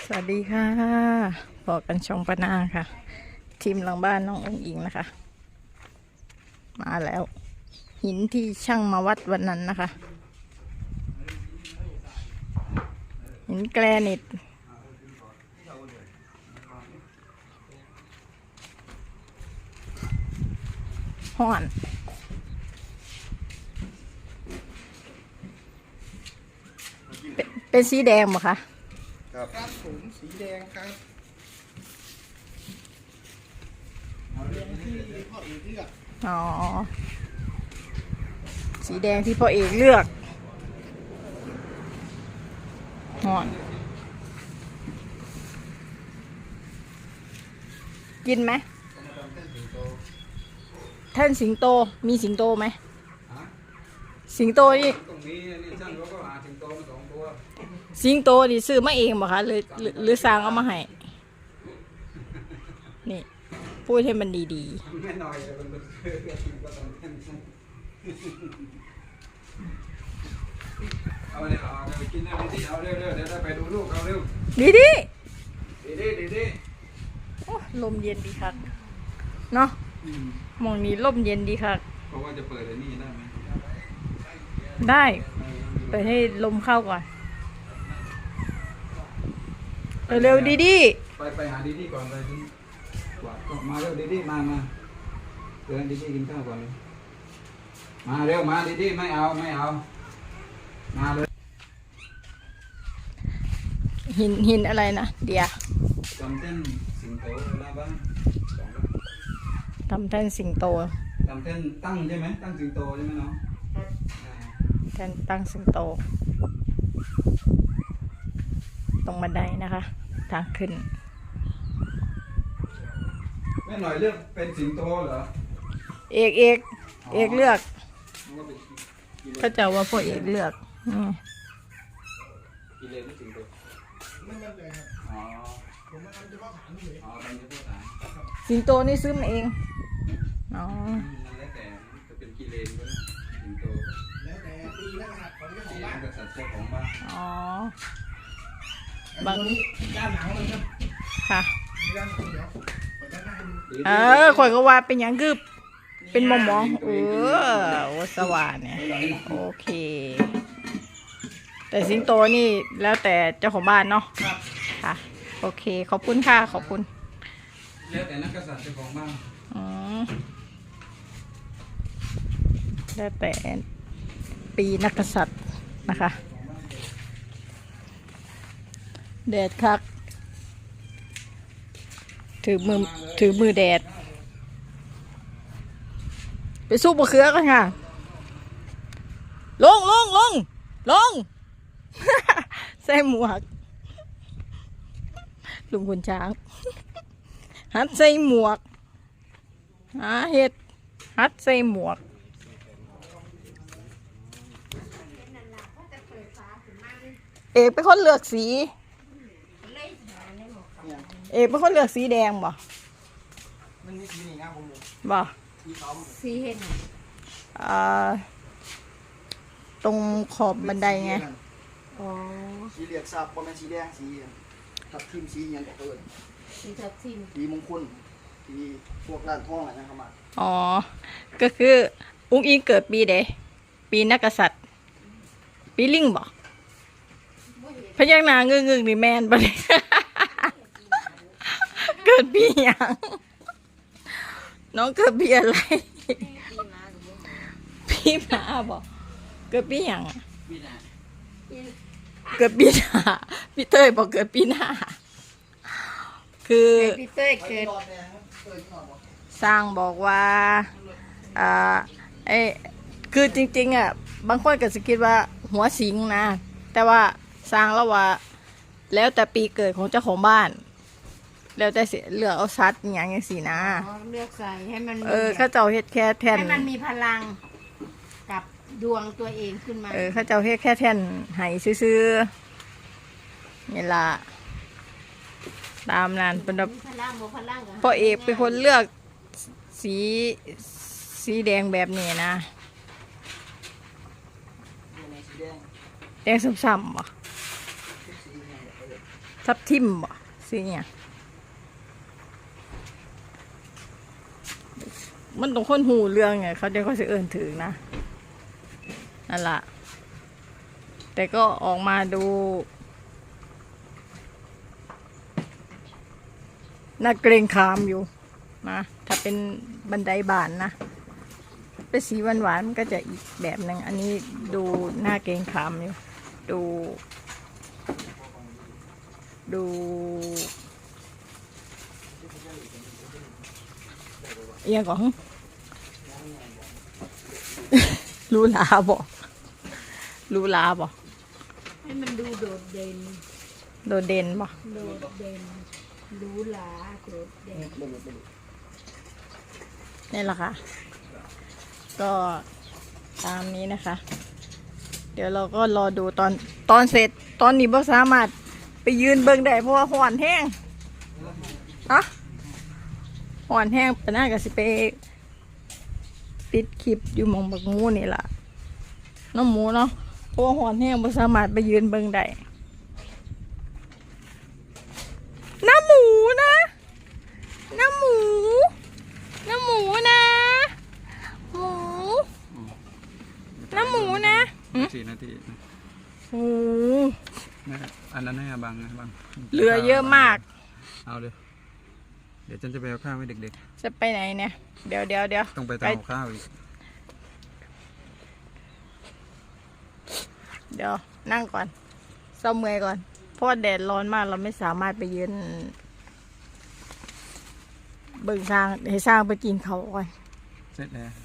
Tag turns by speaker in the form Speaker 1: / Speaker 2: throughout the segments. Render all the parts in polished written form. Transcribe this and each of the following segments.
Speaker 1: สวัสดีค่ะบอกกันช่องปะนาค่ะ ทีมหลังบ้านน้ององอิงนะคะ มาแล้ว หินที่ช่างมาวัดวันนั้นนะคะ หินแกรนิตห่อนเป็นสีแดงไหมคะ
Speaker 2: ครับผมสีแดงครับเอาเรื่องที่พ่อเอกเลือก
Speaker 1: อ๋อสีแดงที่พ่อเอกเลือกห่อนกินไหมท่านสิงโตมีสิงโตไหมสิงโตนี่
Speaker 3: ตรงนี้นี่ช่างเขาก็หาสิงโตมา2 ตัว
Speaker 1: สิงโตดิซื้อมาเองบ่คะหรือสร้างเอามาให้นี่พูดให้มันดี
Speaker 3: ไม่หน่อยมันก็ต้องเอาเนี่ยเอาไปกินแล้วดีๆเอาเร็วๆเดี๋ยวได้ไปดูลูกเอาเร็ว
Speaker 1: ๆดี
Speaker 3: ดี
Speaker 1: โอ้ลมเย็นดีครับเนาะมองนี้ลมเย็นดีครับ
Speaker 3: เพราะว่าจะเปิดอันนี้ได้ไหม
Speaker 1: ได้เปิดให้ลมเข้าก่อนเร็วดี
Speaker 3: ไปหาดีๆก่อนไปถึงกวาดก็มาเร็วดีๆมาเดินดีๆกินข้าวก่อนเลยมาเร็วมาดีๆไม่เอามาเลย
Speaker 1: หินอะไรนะเดี๋ยว
Speaker 3: ทำเต้นสิงโตหน้าบ้าน
Speaker 1: ทำแท่นสิงโต
Speaker 3: ทำเต้นตั้งใช่ไหมตั้งสิงโตใช่ไหมน้อง
Speaker 1: แท่นตั้งสิงโตตรงบันไดนะคะทางขึ้น
Speaker 3: แม่หน่อยเลือกเป็นสิงโตเหรอ
Speaker 1: เอกเลือกเขาจะว่าพ่อเอกเลือก
Speaker 3: กิเลนไม่สิงโต
Speaker 2: ไม่มั่นใจครับ
Speaker 3: อ๋อ
Speaker 2: ผมมาทำเฉพาะฐานเลย
Speaker 3: อ๋อทำเฉพาะฐาน
Speaker 1: สิงโตนี่ซื้อมาเองอ๋อ
Speaker 3: นั่นแล้วแต่จะเป็นกิเลนก็ได้สิงโต
Speaker 2: แล้วแต่ปีนักหัดของเจ้าของบ้าน
Speaker 3: กับสัตว์เจ้าของบ้าน
Speaker 1: อ๋อบ
Speaker 2: างนี้ด้านหลังมันครับ
Speaker 1: ค่ะ
Speaker 2: ด้านหลังเดี๋ยวเปิดด้านหน้าให้
Speaker 1: ข่
Speaker 2: ดู
Speaker 1: อยก็ว่าเป็นอย่างคือเป็นมองโอ้สว่านเนี่ยโอเคแต่สิงโตนี่แล้วแต่เจ้าของบ้านเนาะค่ะโอเคขอบคุณค่ะขอบคุณ
Speaker 3: แล้วแต่นักกษัตริย์เจ้าของบ้าน
Speaker 1: แล้วแต่ปีนักกษัตริย์นะคะแดดคักถือมือแดดไปสู้บะเขือกันค่ะลงใส่หมวกลุงคุณช้างฮัดใส่หมวกเห็ดฮัดใส่หมวกเอกเป็นคนเลือกสีเอกเป็นคนเลือกสีแดงบ่
Speaker 2: มันมีสีนี่นะผม
Speaker 1: บ่
Speaker 2: สีเห็ด
Speaker 1: ตรงขอบบันไดไง
Speaker 2: สีเหลืองซับประมาณสีแดงสีทับทิมสีอย่างเกิน
Speaker 4: สีทับทิม
Speaker 2: สีมงคลสีพวกร้านทองอะไรนะครับมา
Speaker 1: อ๋อก็คืออุ้งอิงเกิดปีใดปีนักกษัตริย์ปีลิงบ่พยักหน้างึงนี่แมนปะเนี่ยเกิดปีหยังน้องเกิดปีอะไรปีหน้าบ่เกิดปีหยังเกิดปีหน้าพี่เต้ยบอกเกิดปีหน้าคือ
Speaker 4: พี่เต้ยเกิด
Speaker 1: สร้างบอกว่าคือจริงๆบางคนก็จะคิดว่าหัวสิงนะแต่ว่าสร้างแล้วว่าแล้วแต่ปีเกิดของเจ้าของบ้านแล้วแต่เลือกเอาซัดอย่างสินะ
Speaker 4: เลือกใส่ให้มัน
Speaker 1: เขาเจ้าเฮ็ดแค่แท่น
Speaker 4: ให้มันมีพลังกับดวงตัวเองขึ้นมา
Speaker 1: เขาเจ้าเฮ็ดแค่แท่นให้ซื้อๆนี่ล่ะตามนั้นเป็นแบบพ่อเอกเป็นคนเลือกสีแดงแบบนี้นะแดงซ้ำๆบ่ทับทิมบ่สิเนี่ยมันต้องคนหูเรื่องไงเขาเดี๋ยวเขาจะเอิ้นถึงนะนั่นล่ะแต่ก็ออกมาดูน่าเกรงขามอยู่นะถ้าเป็นบันไดบานนะเป็นสีหวานๆมันก็จะอีกแบบหนึ่งอันนี้ดูน่าเกรงขามอยู่ดูเอียงก่อน รู้ลาบอก
Speaker 4: ให้มันดูโดดเด่น
Speaker 1: โดดเด่นบอก
Speaker 4: โดดเด่นหรูหราโดดเด่น
Speaker 1: นี่แหละค่ะ ก็ตามนี้นะคะ เดี๋ยวเราก็รอดูตอนเสร็จตอนนี้บ่สามารถไปยืนเบิ่งได้เพราะว่าห่อนแห้งอะห่อนแห้งปะน่าก็สิไปปิดคลิปอยู่หมองบักงูนี่ล่ะน้องหมูเนาะเพราะว่าห่อนแห้งบ่สามารถไปยืนเบิ่งได้น้ำหมูนะน้ำหมูนะหมูน้ำหมูนะ
Speaker 3: 4 นาที
Speaker 1: โอ้
Speaker 3: อันนั้นให้บังนะบัง
Speaker 1: เหลือเยอะมาก
Speaker 3: เอาเลยเดี๋ยวฉันจะไปเอาข้าวให้เด็ก
Speaker 1: จะไปไหนเนี่ยเดี๋ยว
Speaker 3: ๆต้องไปทำข้าวอีก
Speaker 1: เดี๋ยวนั่งก่อนเศร้าเมื่อยก่อนเพราะว่าแดดร้อนมากเราไม่สามารถไปยืนเบิ่งสร้างให้สร้างไปกินเขาก่อน
Speaker 3: เสร็จแล้ว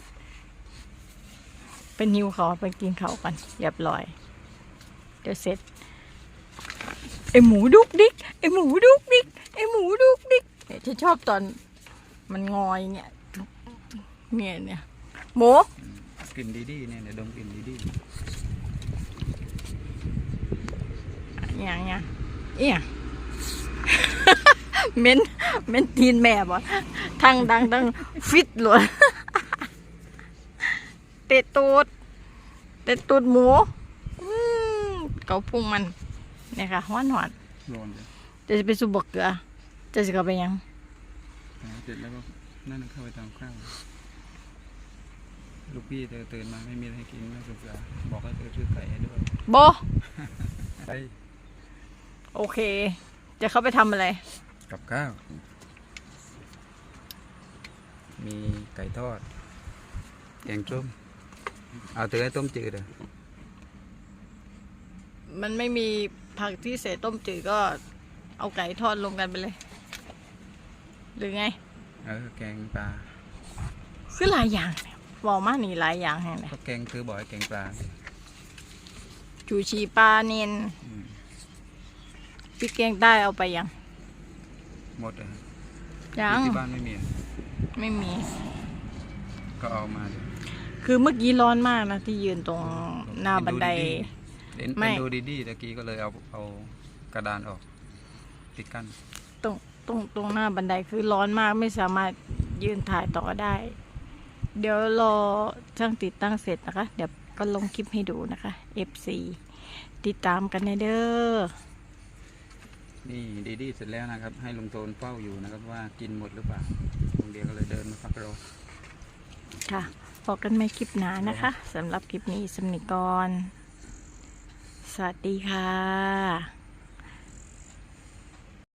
Speaker 1: เป็นหิวเขาไปกินเขาก่อนเรียบร้อยเดี๋ยวเสร็จไอหมูดุกดิกเนี่ยที่ชอบตอนมันงอยเนี่ยหมู
Speaker 3: กลิ่นดีๆเนี่ยเดี๋ยวดมกลิ่นดี
Speaker 1: อย่างเงี้ยเอี่ย เม้นตีนแม่บ่ทั้งดังทั้งฟิตเลย เตะตูดหมูเกาพุงมันเนี่ยค่ะหวาน
Speaker 3: ๆร้อนเลย
Speaker 1: จะไปสูบบกเกลือจะสิเข้าไปยัง
Speaker 3: เสร็จแล้วก็นั่นเข้าไปทำข้าวลูกพี่เธอตื่นมาไม่มีอะไรให้กินนักศึกษาบอกให้เธอซื้อไก่ให้ด้วย
Speaker 1: โบ
Speaker 3: ไป
Speaker 1: โอเค จะเข้าไปทำอะไร
Speaker 3: กับข้าวมีไก่ทอดแกงส้มเอาเธอให้ต้มจืดเลย
Speaker 1: มันไม่มีผักที่เสต้มจืดก็เอาไก่ทอดลงกันไปเลย หรือไง
Speaker 3: แกงปลา
Speaker 1: คือหลายอย่างเนี่ยบอกมานี่หลายอย่างแห่งเลย
Speaker 3: ก็แกงคือบ่อยแกงปลา
Speaker 1: จูชีปลาเนนพี่แกงใต้เอาไปยัง
Speaker 3: หมดเลย
Speaker 1: ยัง
Speaker 3: ที่บ้านไม่มี
Speaker 1: ไม่มี
Speaker 3: ก็เอามาดิ
Speaker 1: คือเมื่อกี้ร้อนมากนะที่ยืนตรงหน้าบันได ไม่
Speaker 3: เอ็นดูดีๆตะกี้ก็เลยเอากระดานออกติดกั้น
Speaker 1: ตรงหน้าบันไดคือร้อนมากไม่สามารถยืนถ่ายต่อได้ เดี๋ยวรอช่างติดตั้งเสร็จนะคะ เดี๋ยวก็ลงคลิปให้ดูนะคะ FC ติดตามกันเด้อ
Speaker 3: นี่ดีๆเสร็จแล้วนะครับ ให้ลุงโทนเฝ้าอยู่นะครับว่ากินหมดหรือเปล่าลุงเดียวก็เลยเดินมาพักรอ
Speaker 1: ค่ะพบกันใหม่คลิปหน้านะคะสำหรับคลิปนี้สำนิกรสวัสดีค่ะ